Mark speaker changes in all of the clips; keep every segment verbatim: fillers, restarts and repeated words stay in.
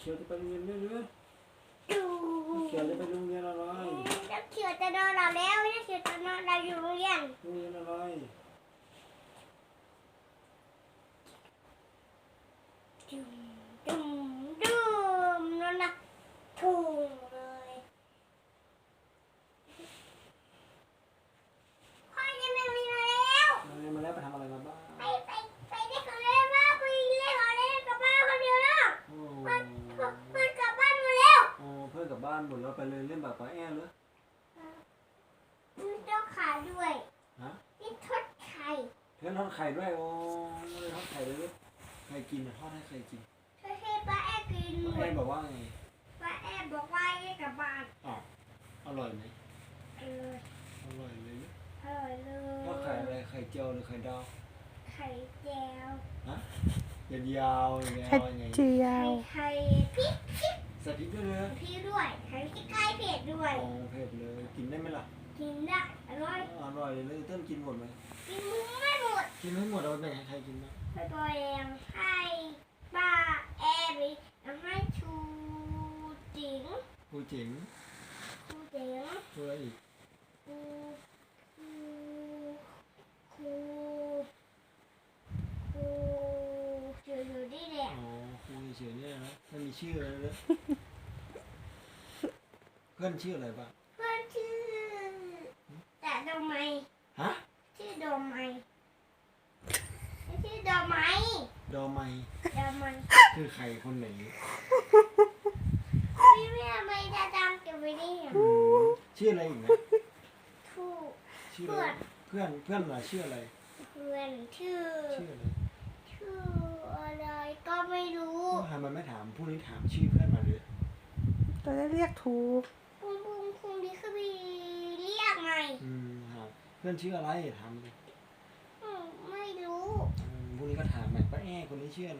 Speaker 1: ขียวจะไปโรงเรียนด้วยหรือเขียวจะไปโรงเรียนอะไร
Speaker 2: นักเขียวจะนอนหลับแล้วนักเขียวจะนอนหลับอยู่โรงเรียน
Speaker 1: โรงเรียนอะไร
Speaker 2: ดุมดุมดุมนั่นนะถูกเลยพ่อจะไม่มีมาแล้ว
Speaker 1: มาเรียนมาแล้วไปทำอะไรมาบ้าง
Speaker 2: ไปไปไปเล่นของเล่นบ้างไปเล่นของเล่นกับบ้านคนเดียวแล้ว
Speaker 1: โอ้
Speaker 2: เพื่อนเพื่อนกลับบ้านหมดแล้ว
Speaker 1: โอ้เพื่อนกลับบ้านหมดแล้วไปเลยเล่นแบบป้าแอ้หรือ
Speaker 2: มีเจ้าขาด้วย
Speaker 1: ฮะ
Speaker 2: มีทอดไข่
Speaker 1: เพื่อนทอดไข่ด้วยโอ้เลยทอดไข่เลยใครกินทอดให้ใครกิน
Speaker 2: ช่วยให้ป้าแอบกินหม
Speaker 1: ป้าแอ้
Speaker 2: ด
Speaker 1: บอกว่าไง
Speaker 2: ป้าแอบบอกว่าให้กลับบ้าน
Speaker 1: อ๋ออร่อยไหม
Speaker 2: เออ
Speaker 1: อร่อยเลย
Speaker 2: อร่อยเลย
Speaker 1: ทอดไข่อะไรไข่เจียวหรือไข่ดาว
Speaker 2: ไข่แจียว
Speaker 1: ฮะยาวๆอย่างเงี้ย
Speaker 3: ไข่เจีย
Speaker 2: ไข่
Speaker 3: ว
Speaker 2: ไข่พริกพริก
Speaker 1: ใส่พริกด้วยเลย
Speaker 2: พริกด้วยไข่พริกไก่เผ็ดด้วย
Speaker 1: โอ้เผ็ดเลยกินได้ไหมล่ะ
Speaker 2: กินได้อร่อย
Speaker 1: อร่อยเลยเต้นกินหมดไหม
Speaker 2: กินมึงไม่หมด
Speaker 1: กินไม่หมดเอาไปแบ่งให้ใครกินบ้าง
Speaker 2: ไปปล่อยให้ป้าแอบให้ชูจิ๋ง
Speaker 1: ครูจิ๋ง
Speaker 2: ครูจิ๋ง
Speaker 1: ครูอะไรอีก
Speaker 2: ครูครูครูครูอยู่อยู่ที่แหละ
Speaker 1: อ๋อครูเฉยๆเนี่ยนะไม่มีชื่ออะไรเลยเพื่อนชื่ออะไรบ้าง
Speaker 2: เพื่อนชื่อแต่ดอกไม้
Speaker 1: ฮะ
Speaker 2: ชื่อดอกไม้ชื่อดอกไม้
Speaker 1: ดอไม
Speaker 2: ดอกไม้
Speaker 1: คือใครคนไหน
Speaker 2: พี่แม่ไม่ได้ดังเก็บไว้นี่
Speaker 1: อืมชื่ออะไรอีกนะ
Speaker 2: ถูก
Speaker 1: ชื่ออะไรเพื่อนเพื่อนเหรอชื่ออะไร
Speaker 2: เพื่อนชื่อ
Speaker 1: ชื่ออะไร
Speaker 2: ชื่ออะไรก็ไม่รู้
Speaker 1: ทำไมไม่ถามผู้นี้ถามชื่อเพื่อนมาเลย
Speaker 3: จะได้เรียกถูก
Speaker 2: คุณคุณคุณดีคือบีเรียกไง
Speaker 1: อืมครับเพื่อนชื่ออะไรถามเลย
Speaker 2: อืมไม่รู้
Speaker 1: อืมผู้นี้ก็ถามไปป้าแอ้คนนี้ชื่ออะไร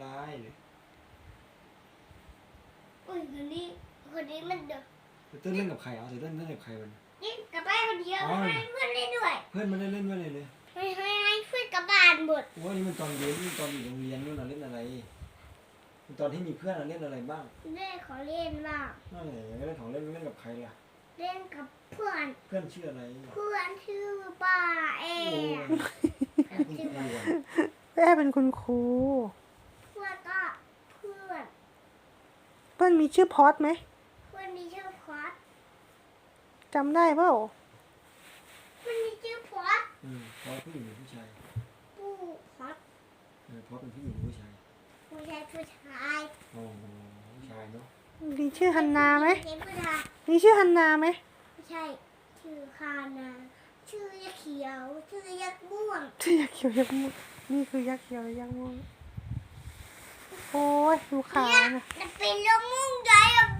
Speaker 2: อุ้ยคนนี้คนนี้มันเด็ก
Speaker 1: เต้นเล่นกับใครเอาเต้นเล่นกับใครมัน
Speaker 2: นี่กลับบ้านคนเดียวไม่ให้เพื่อนเล่นด้วย
Speaker 1: เพื่อนมันได้เล่นด้วยเลยเลย
Speaker 2: ไม่ให้ให้เพื่อนกลับบ้านหมด
Speaker 1: ว่านี่มันตอนเรียนนี่ตอนอยู่โรงเรียนนู่นน่ะเล่นอะไรตอนที่มีเพื่อนเล่นอะไรบ้าง
Speaker 2: เล่นขอเล่นบ้าง
Speaker 1: นั่นแหละเล่นของเล่นเล่นกับใครล่ะ
Speaker 2: เล่นกับเพื่อน
Speaker 1: เพื่อนชื่ออะไร
Speaker 2: เพื่อนชื่อป้าแอ
Speaker 1: โอ้
Speaker 2: ร์
Speaker 1: คุณครูอะ
Speaker 3: แม่เป็นคุณครู
Speaker 2: เพื่อนก็เพื่อน
Speaker 3: เพื่อนมีชื่อพอดไหม
Speaker 2: เพื่อนมีชื่อพอด
Speaker 3: จำได้เปล่า
Speaker 2: เพื่อนมีชื่อพอด
Speaker 1: อืมพอผู้หญิงหรือผู้ชาย
Speaker 2: ผู้พอด
Speaker 1: เออพอเป็นผู้หญิงหรือผู้ชาย
Speaker 2: ผู้ชายผู้ชาย
Speaker 1: อ๋อผู้ชายเนาะ
Speaker 3: มีชื่อฮันนาไหม
Speaker 2: เป็นผู้ชาย
Speaker 3: มีชื่อฮันนาไหม
Speaker 2: ไม่ใช่ชื่อคานาชื่อยักษ์เขียวชื่อยักษ์ม่วง
Speaker 3: ชื่อยักษ์เขียวยักษ์ม่วงนี่คือยักษ์เขียวยักษ์ม่วงโอ้ยดูขา
Speaker 2: เนี่ย
Speaker 3: นะ
Speaker 2: จะเป็นลูกม่วงใหญ่อะ